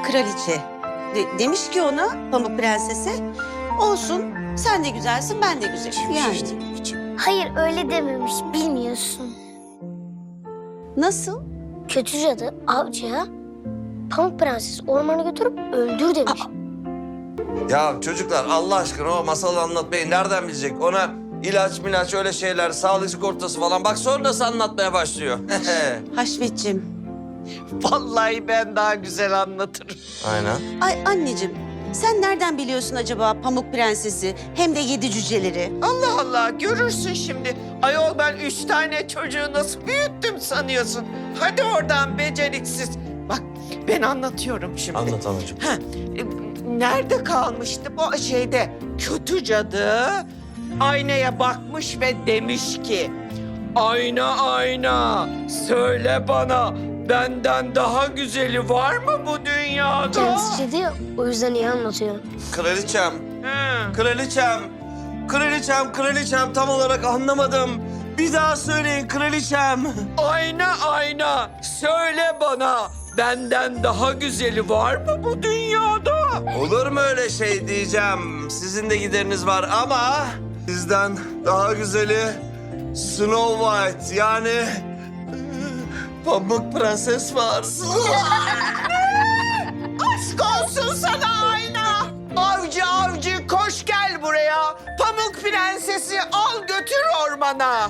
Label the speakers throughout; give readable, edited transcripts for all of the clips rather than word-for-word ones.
Speaker 1: kraliçe. Demiş ki ona Pamuk Prenses'e, olsun sen de güzelsin ben de güzelim. Yani
Speaker 2: Hayır öyle dememiş, bilmiyorsun.
Speaker 1: nasıl?
Speaker 2: Kötü cadı avcıya Pamuk Prenses ormana götürüp öldür demiş.
Speaker 3: Ya çocuklar Allah aşkına o masalı anlatmayı nereden bilecek? Ona ilaç milaç öyle şeyler, sağlık sigortası falan. Bak sonra nasıl anlatmaya başlıyor.
Speaker 1: Haşmetciğim.
Speaker 4: Vallahi ben daha güzel anlatırım.
Speaker 3: Aynen.
Speaker 1: Ay anneciğim, sen nereden biliyorsun acaba Pamuk Prenses'i hem de 7 cüceleri?
Speaker 4: Allah Allah görürsün şimdi. Ayol ben 3 tane çocuğu nasıl büyüttüm sanıyorsun? Hadi oradan beceriksiz. Bak ben anlatıyorum şimdi.
Speaker 3: Anlat anacığım.
Speaker 4: Nerede kalmıştı bu şeyde? Kötü cadı aynaya bakmış ve demiş ki... Ayna ayna söyle bana benden daha güzeli var mı bu dünyada?
Speaker 2: Kendisi cadı ya, o yüzden iyi anlatıyor.
Speaker 3: Kraliçem,
Speaker 4: Hı.
Speaker 3: kraliçem, kraliçem, kraliçem tam olarak anlamadım. Bir daha söyleyin kraliçem.
Speaker 4: Ayna ayna söyle bana benden daha güzeli var mı bu dünyada?
Speaker 3: Olur mu öyle şey diyeceğim. Sizin de gideriniz var ama sizden daha güzeli Snow White yani Pamuk Prenses var.
Speaker 4: Aşk olsun sana ayna. Avcı avcı koş gel buraya. Pamuk Prensesi al götür ormana.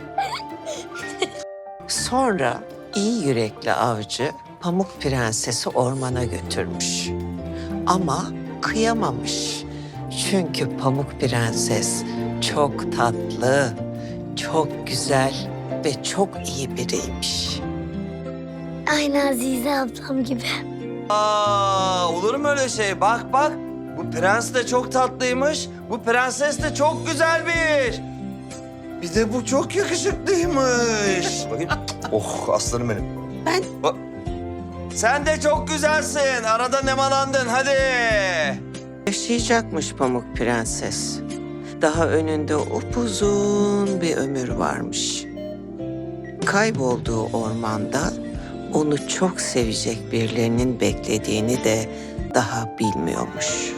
Speaker 5: Sonra iyi yürekli avcı Pamuk Prenses'i ormana götürmüş. Ama kıyamamış. Çünkü Pamuk Prenses çok tatlı, çok güzel ve çok iyi biriymiş.
Speaker 2: Aynı Azize ablam gibi.
Speaker 3: Olur mu öyle şey? Bak bak. Bu prens de çok tatlıymış. Bu prenses de çok güzelmiş. Bir de bu çok yakışıklıymış. Bakayım. Oh aslanım benim.
Speaker 1: Ben
Speaker 3: Sen de çok güzelsin. Arada nemalandın hadi.
Speaker 5: Yaşayacakmış Pamuk Prenses. Daha önünde upuzun bir ömür varmış. Kaybolduğu ormanda onu çok sevecek birilerinin beklediğini de daha bilmiyormuş.